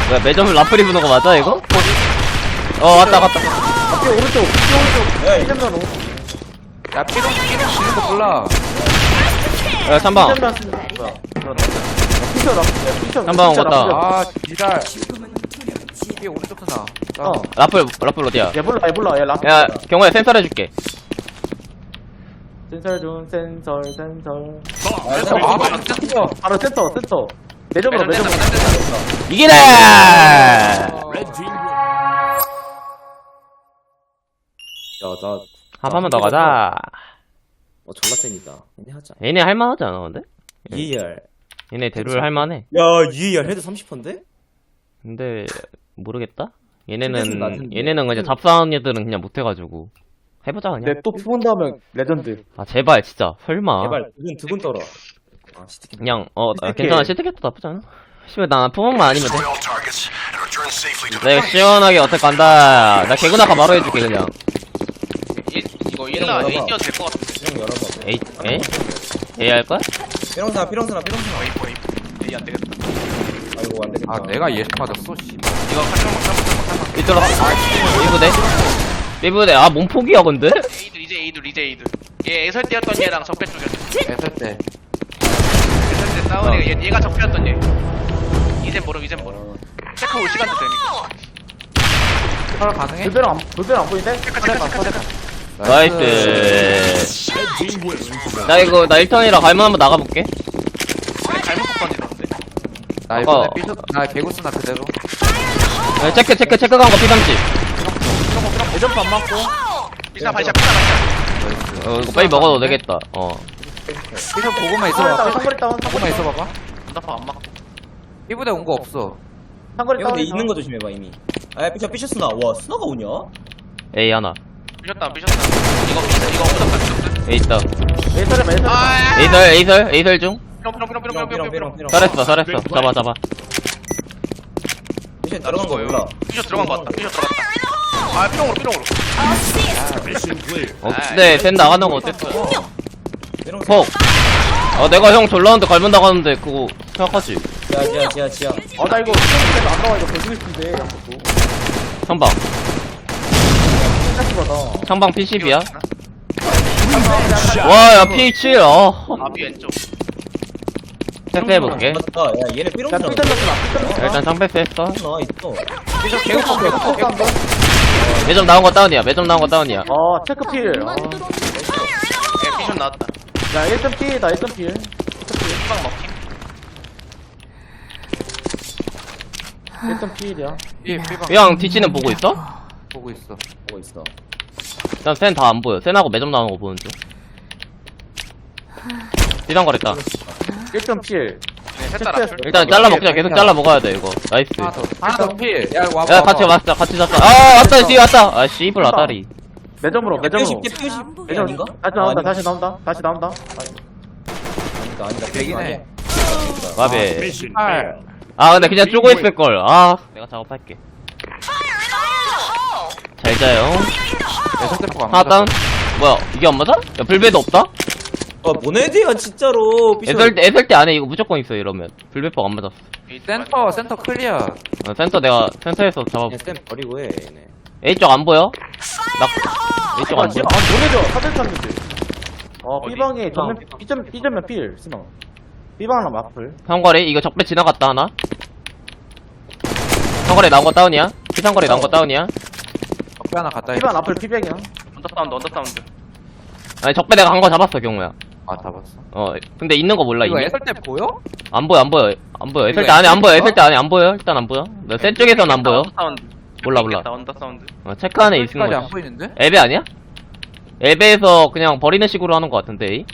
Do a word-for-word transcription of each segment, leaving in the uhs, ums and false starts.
뭐야 매점 라플이 부는 거 맞아 이거? 어 왔다 갔다. 앞에 오른쪽, 오른쪽. 야, 피점만 오. 야 삐롱 삐롱 지는 거 몰라. 야 삼방. 피점만 쓰는 거야. 피점, 피점. 한방 갔다. 아 지랄. 삐 오른쪽 쓰나. 어. 라플 라플 어디야? 얘 몰라, 얘 몰라, 얘 라스. 야 경호야 센서 해줄게. 센서 좀, 센서, 센서. 아 맞아 뜯어. 바로 센터, 센터. 내점으로, 내점으로. 이기래. 야, 나. 한 판만 더 가자. 어, 졸라 세니까. 얘네 하자. 얘네 할만하지 않아 근데? 이에이알. 얘네 대룰 할만해. 야, 이에이알 헤드 삼십 퍼인데? 근데 모르겠다. 실패는 얘네는 낮은데. 얘네는 그냥 잡사한 애들은 그냥 못해가지고 해보자 그냥. 내또 푸본다 하면 레전드. 아 제발 진짜 설마. 제발, 두근, 두근 떨어. 아, 시티켓. 그냥 어 아, 시트켓. 괜찮아 시트켓도 나쁘지 않아. 씨발 나 푸몽만 아니면 돼. 나 이거 시원하게 어택 간다. 나 개구나가 바로 해줄게 그냥. 얘, 이거 일라 A 뛰어도 될 것 같은데. 삐롱 열어봐. 에이 에이 에이 할 거야? 삐롱스나, 삐롱스나, 삐롱스나. A 포 A 포 A 안 되겠다. 아이고, 안 되겠다. 아 내가 예측 맞았어. 씨. 이거 칼빵 칼빵 칼빵. 이쪽으로 삐부대 삐부대 아 몸폭이야 근데? A들 이제 A들 이제 A들. 얘 애설 때였던 얘랑 적배 쪽이었어. 애설 때. 애설 때 싸운 애가 얘 얘가 적배였던 얘. 이젠 모름 이젠 모름. 체크 올 시간도 되니까. 털 가능해? 불배랑 안, 불배랑 안 보이는데? 체크 체크 체크 체크. 나이스. 나 이거 나 일 턴이라 갈문 한번 나가볼게. 잘못 던지던데. 나 이번에 어. 삐져 나 개구스나 그대로. 야, 체크 체크 체크 간 거 피삼십. 내점프 안 맞고. 비사 발샷 비사 발샷. 어 이거 빨리 먹어도 되겠다. 어. 삐져 보고만 상거리 있어봐. 다운, 상거리 다운, 보고만 상거리 다운. 있어봐봐. 언더파 안 맞고. 삐부대 온 거 없어. 상거리 야, 근데 다운. 있는 거 조심해봐, 이미. 아, 삐쳐, 삐쳐 스나. 와, 스나가 오냐? 에이 하나. 삐졌다 삐졌다. 이거 비사 이거 언더파 삐졌다. 에이 있다. 에이설에 에이설. 아. 에이설 에이설 에이설 중. 삐롱 삐롱 삐롱 삐롱, 삐롱 삐롱, 삐롱 삐롱, 삐롱. 삐롱. 잘했어 잘했어. 잡아 잡아. 삐쳐 들어간 거 몰라. 삐져 들어간 거 같다. 삐져 들어갔다. 아 삐롱으로 삐롱으로. 어 근데 센 나가는 거 어땠어? 삐롱 폭. 어 내가 형 졸라는데 갈문 나가는데 그거 생각하지. 지하, 지하, 지하, 지하. 아, 나 이거 스테이크 안 나와, 이거 개주고 싶은데, 양쪽도. 상방. 생각보다. 상방 피십이야. 와야 피 칠. 어. 아삐 왼쪽. 체크해볼게. 맞다. 야, 얘네 삐롱 야, 스나. 삐점만 쓰나, 삐점만 쓰나. 일단 상패스 했어. 나 있어. 삐져 개구 개구 개구. 매점 나온 거 다운이야. 매점 나온 거 다운이야. 어, 체크필. 어. 예 삐션 나왔다. 야, 일 점 필이다, 일 점 필. 후방 먹힘. 일 점 필이야. 삐 삐방 형 뒤치는 보고 있어? 보고 있어. 보고 있어. 일단 센 다 안 보여. 센하고 매점 나오는 거 보는 중. 비상거렸다. 일 점 필. 네, 셋 따라. 일단 잘라 먹자. 계속 잘라 먹어야 돼 이거. 나이스. 하나 더. 하나 더 필. 야 와봐. 야 같이 왔다. 같이 잤다. 아 왔다. 뒤 왔다. 아 씨발 아다리. 매점으로, 매점으로. 삐오십, 삐오십. 매점 아닌가? 다시 나온다, 아닌가? 다시 나온다, 다시 나온다. 아니다, 아니다. 백이네. 와베. 팔. 아 근데 그냥 쪼고 있을 걸. 아 내가 작업할게. 잘 자요. 애설 때포가 안 하나 다운. 맞았어. 뭐야 이게 안 맞아? 야 불배도 없다? 아, 뭐네디야, 진짜로. 삐쳐. 애설 때 애설 때 안에 이거 무조건 있어 이러면. 불배법 안 맞았어. 센터 센터 클리어. 어, 센터 내가 센터에서 잡아. 그냥 쌤 버리고 해, 얘네. A 쪽 안 보여? 나 A 쪽 안 보여? 아, 노래죠. 사전 쳤는데. 어, 어디? B방에 전면, B점, B점면 필, 스나. B방랑 마플. 상거리 이거 적배 지나갔다 하나. 상거리 나온 거 다운이야? 피상거리 나온 거 다운이야? 적배 하나 갖다 B방 해. 마플 B백이야. 언더 사운드 언더 사운드. 아니 적배 내가 한 거 잡았어 경우야. 아 잡았어. 어 근데 있는 거 몰라 이거 이미? 애설 때 보여? 안 보여 안 보여 안 보여. 애설 이거 때 안에 안 보여. 애설 애설 때 안에 안 보여. 일단 안 보여. 나센 쪽에선 안 보여. 언더 사운드. 몰라, 몰라. 있겠다, 언더 사운드. 어, 체크 안에 있는 까지 안 거지. 보이는데? 앱에 아니야? 앱에서 그냥 버리는 식으로 하는 거 같은데. 이?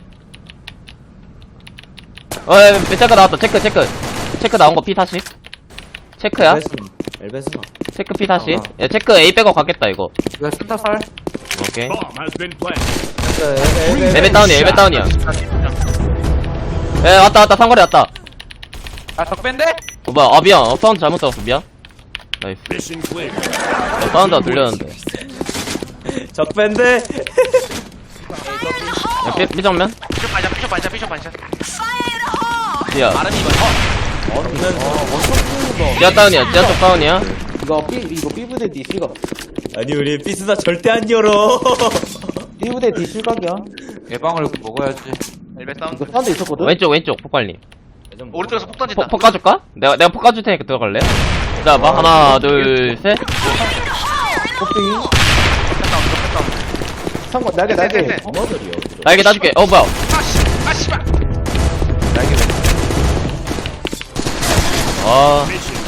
어 야, 체크 나왔다. 체크 체크 체크 나온 거 피 사십. 체크야? 엘베스나. 엘베스나. 체크 피 사십. 어. 야 체크 A 백업 가겠다 이거. 이거 센터 살. 오케이. Bomb has been planted. 엘베, 엘베 다운이야. 엘베 다운이야. 에 왔다 왔다 상거리 왔다. 아 적배인데? 어 뭐야 아 미안 어 사운드 잘못 들었어 미안. 나이스. Mission clear. 어, 사운드가 들렸는데. 적밴드. 야 삐, 삐정면? 삐쇼 반샷 삐쇼 반샷 삐쇼 반샷. 야 아름이 봐. 어. 지하 다운이야 지하 쪽 다운이야. 이거 B 이거 B부대 D 실각. 아니 우리 피스나 절대 안 열어. B부대 D 실각이야. 예방을 먹어야지. 엘베 사운드. 이거 사운드 있었거든. 왼쪽 왼쪽 폭발님. 오른쪽에서 폭 던진다. 폭, 폭 까줄까? 내가 내가 폭 까줄 테니까 들어갈래? 자, 봐 하나 둘 셋. 커피. 상관 날개 날개. 네, 네, 네. 어? 머더리요. 날개 놔줄게. 어 뭐야? 아씨, 아 씨발. 아 Mission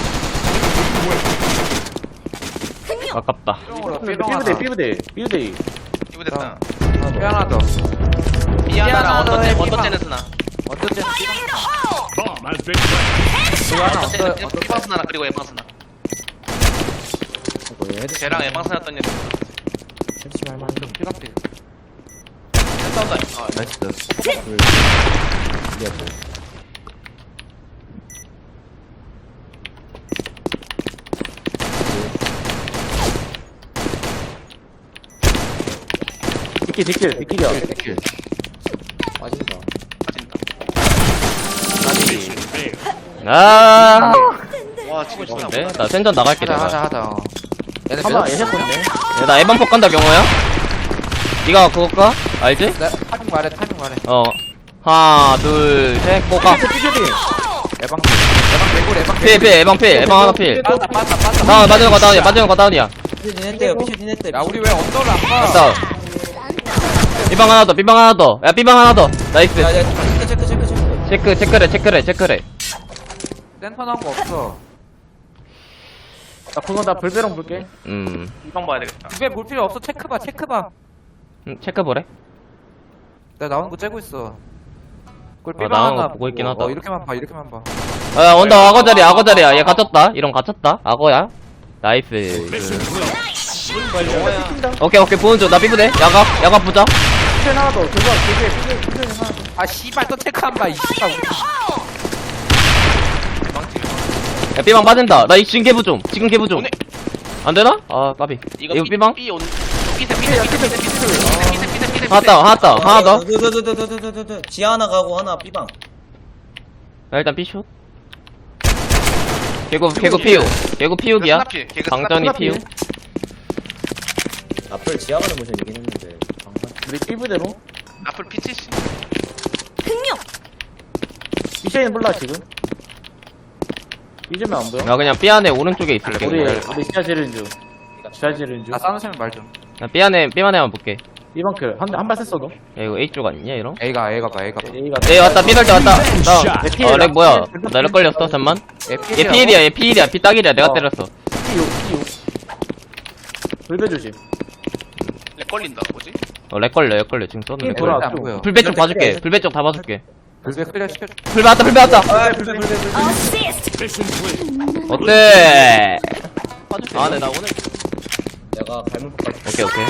failed. 아깝다. B부대 B부대 B부대. 이거 됐다. 피 하나 더. 미안하라 미안하다, 언더째 삐방. 언더째는 쓰나. 언더째 Bomb has been planted. 이거 하나 언더째는 언더 언더 피방 쓰나 그리고 에방 쓰나. 쟤랑 에방 쓰나였던 애. 피방필. 싸운다. 아, 나이스. 뒷길 뒷길 뒷길이야. 킬. 빠진다. 빠진다. Mission failed. 아. 와 지금 진짜. 네, 나 센전 나갈게 하자 하자 내가. 하자. 어. 얘네 하나 매듭 예셨었네. 야, 나 에반 폭 간다 경호야. 네가 그거 까? 알지? 나 타이밍 말해 타이밍 말해. 어. 하나 둘 셋. 꼬까. 삐쇼디. 예방 예방 개굴 예방 필, 필, 에방 필, 에방 하나 필. 빠졌다 빠졌다 빠졌다. 다운, 맞은 거 다운이야, 맞은 거 다운이야. 피쇼딘 했대요. 피쇼딘 했대. 야 우리 왜 언더를 안 봐? 다운. B방 하나 더, B방 하나 더. 야, B방 하나 더. 나이스. 야야 체크 체크 체크 체크. 체크, 체크래, 체크래, 체크래. 센터 나온 거 없어. 나 그거 나 불배랑 볼게. 음, 이방 봐야 되겠다. 집에 볼 필요 없어. 체크 봐 체크 봐. 음, 체크 보래. 내가 나오는 거 째고 있어. 그걸 아, 삐방 나오는 거 하나 보고 있긴 보고. 하다. 어, 이렇게만 봐 이렇게만 봐. 아, 언더 악어 자리야, 악어 자리야. 얘 갇혔다. 이런 갇혔다. 악어야. 나이스. Mission clear. 오케이, 오케이, 보는 중. 나 삐부대. 야각, 야각 보자. 피 하나 더. 그거 되게 삐 삐 하나. 아 씨발 또 체크 안 봐. 이 씨발. 우리. 야, B방 빠진다. 나 이- 지금 개부 좀. 지금 개부 좀. 오네. 안 되나? 아, 까비. 이거 이거 삐- B방? 삐 온. 삐세 삐세 삐세 삐세 삐세 삐세 삐세 삐세. 하나 다운, 하나 다운, 하나 더. 더더더더더더더. 지하 하나 가고 하나 B방. 야, 일단 B슛. 개구, 개구 피우. 개구 피우기야. 스나필, 개그 방전이 스나필. 피우. 앞을 지하 가는 모션이긴 했는데. 방금. 우리 B부대로. 앞을 피치시. B샤인 몰라 지금. B점이 안 보여? 나 그냥 B 안에 오른쪽에 있을게. 우리 그냥. 우리 지하 지르는 중. 지하 지르는 중. 나 싸우시면 말 좀. 나 B 안에, B 안에 한번 볼게. B방클 한한발 셌어 너. 야, 이거 A 쪽 아니냐, 이런? A가 A가 봐 A가 봐. A가. A 왔다, B 갈 때 왔다. 다운. Shot. 어, 렉 뭐야? 나 렉 걸렸어, 잠만. 얘 얘 피일이야, 얘 피일이야. B 딱일이야. 내가 어. 때렸어. P 육 P 육. 불배 조심. 렉 걸린다. 뭐지? 어, 렉 걸려, 렉 걸려. 지금 쏘는 렉 걸려. 돌아. 안 보여. 불배 쪽 봐줄게. 불배 쪽 다 봐줄게. 불배 클리어 시켜줘. 불배 왔다, 불배 왔다. 아 불배 불배 불배. Mission clear. 어때? 아, 네, 나 오늘. 내가 갈문까지. 오케이, 오케이.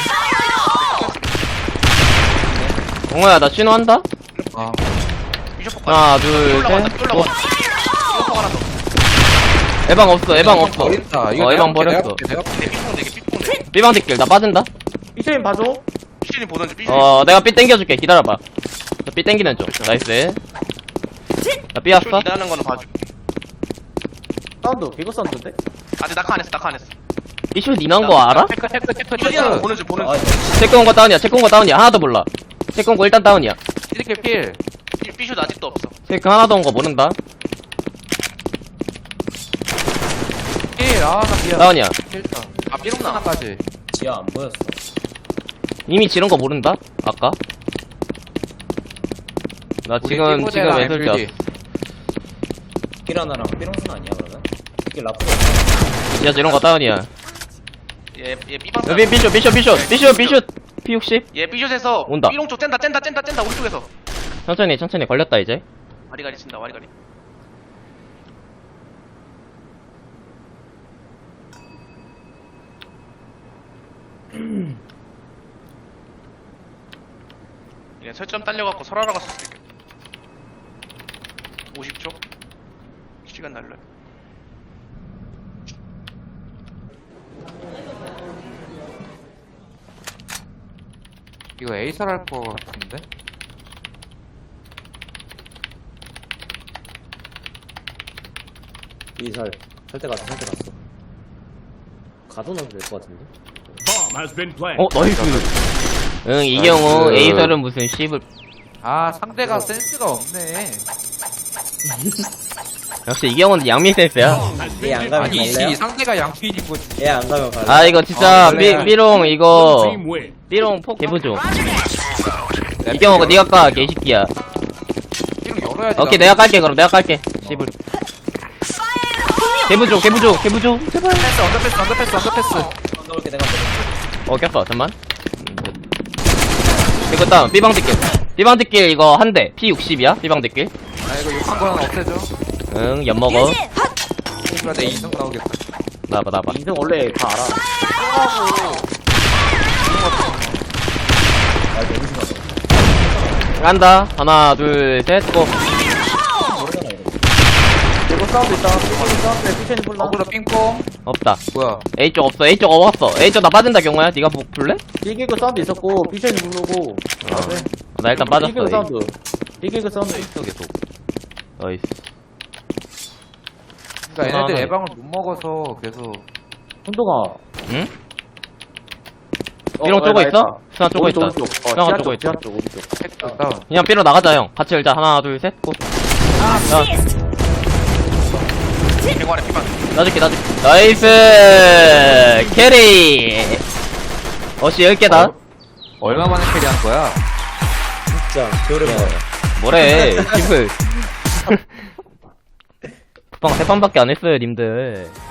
옹호야, 나 신호한다? 아 비숍 하나, 둘, 올라간다. 셋. 올라간다. 이거 하나 더. 에방 없어, 에방 없어. 버린다. 어, 이거 에방 내가 볼게, 버렸어. 내가 볼게, 내 삐뽕 되게 삐뽕 돼. B방 뒷길, 나 빠진다? B샤인 봐줘. 피신이 보던지 피신. 어, 내가 B 땡겨줄게. 기다려봐. 나 B 땡기는 중. 나이스. 나 B 왔어? 일하는 거는 봐줘. 사운드 개그 사운드인데? 아직 낙하 안 했어. 낙하 안 했어. 이슈 니난 거 알아? 체크 체크 체크 피신이라는 거 체크. 보는 중 보는 아 중. 체크 온거 다운이야. 체크 온거 다운이야. 하나도 몰라. 체크 온거 일단 다운이야. 이렇게 필. 삐- 삐슛 아직도 없어. 체크 하나도 온 거 모른다. 필. 아나 미안. 다운이야. 필다. 아 삐롱나. 하나까지. 지하 안 보였어. 이미 지른 거 모른다? 아까? 나 지금, 지금 애설자. 길 하나랑 삐롱선 아니야 그러면? 길 라프로. 야, 지른 거 다운이야. 얘얘 삐방. 야, 삐, 삐슛, 삐슛, 삐슛, 삐슛, 삐슛. 피 육십. 얘 삐슛에서 온다. 삐롱 쪽 짠다 짠다 짠다 짠다 오른쪽에서. 천천히, 천천히 걸렸다, 이제. 와리가리 친다 와리가리. 얘 설점 딸려갖고 설하러 갔을 수도 있겠다. 오십 초? 시간 날려요. 이거 에이설 할거 같은데? 이살 살때 갔어 살때 갔어 가둬놔도 될 것 같은데 Bomb has been planted. 어 나이스. 응 이 경우 에이설은 무슨 씹을. 아 상대가 센스가 없네. 역시 이 경우는 양미 센스야. 얘 안 가면 아니지 갈래요? 상대가 양피인 거지. 얘 안 가면 갈래 아 이거 진짜 아, 삐, 그래. 삐롱 이거 Team win. 삐롱 폭 개부조. 이 경우가 니가 까 개새끼야. 이런 열어야지. 오케이 내가 깔게 그럼 내가 깔게. 씹을. 개부조 개부조 개부조. 제발. 패스 언더패스 언더패스 언더패스. 넣을게 내가 어 꼈어 잠만. 이거 다음 삐방 뒷길. 삐방 뒷길 이거 한 대. 피 육십이야 삐방 뒷길. 아 이거 욕한 거 하나 없애줘. 응 엿먹어. 이거 내 이성 나오겠다. 나봐 나봐. 인생 원래 다 알아. 간다. 하나 둘 셋 고. 모르잖아 이거 이거 사운드 있다. 삐 사운드에 피션이 불러. 어그로 삥뽕. 없다. 뭐야? A 쪽 없어. A 쪽 없어. A 쪽 나 빠진다 경호야. 네가 보, 볼래? 삐개그 사운드 있었고 피션이 부르고. 아, 네. 나 일단 빠졌어. 삐개그 A. 사운드. 삐개그 사운드. 계속. 나이스. 그러니까 얘네들 하나. 예방을 못 먹어서 계속. hun동아. 응? 삐롱 쪼고 있어? 스나 쪼고 있다. 오른쪽. 어, 스나가 지하 쪼고 쪽, 있다. 지하 쪽, 오른쪽. 택도 다운. 그냥 삐로 나가자 형. 같이 열자. 하나 둘 셋 고. 개관에 피방. 놔줄게 놔줄게. 나이스. 캐리. 어씨 열 개다. 얼마 만에 캐리한 거야? 진짜 겨울에 뭐래. 집을. 쿠팡 세 판밖에 안 했어요 님들.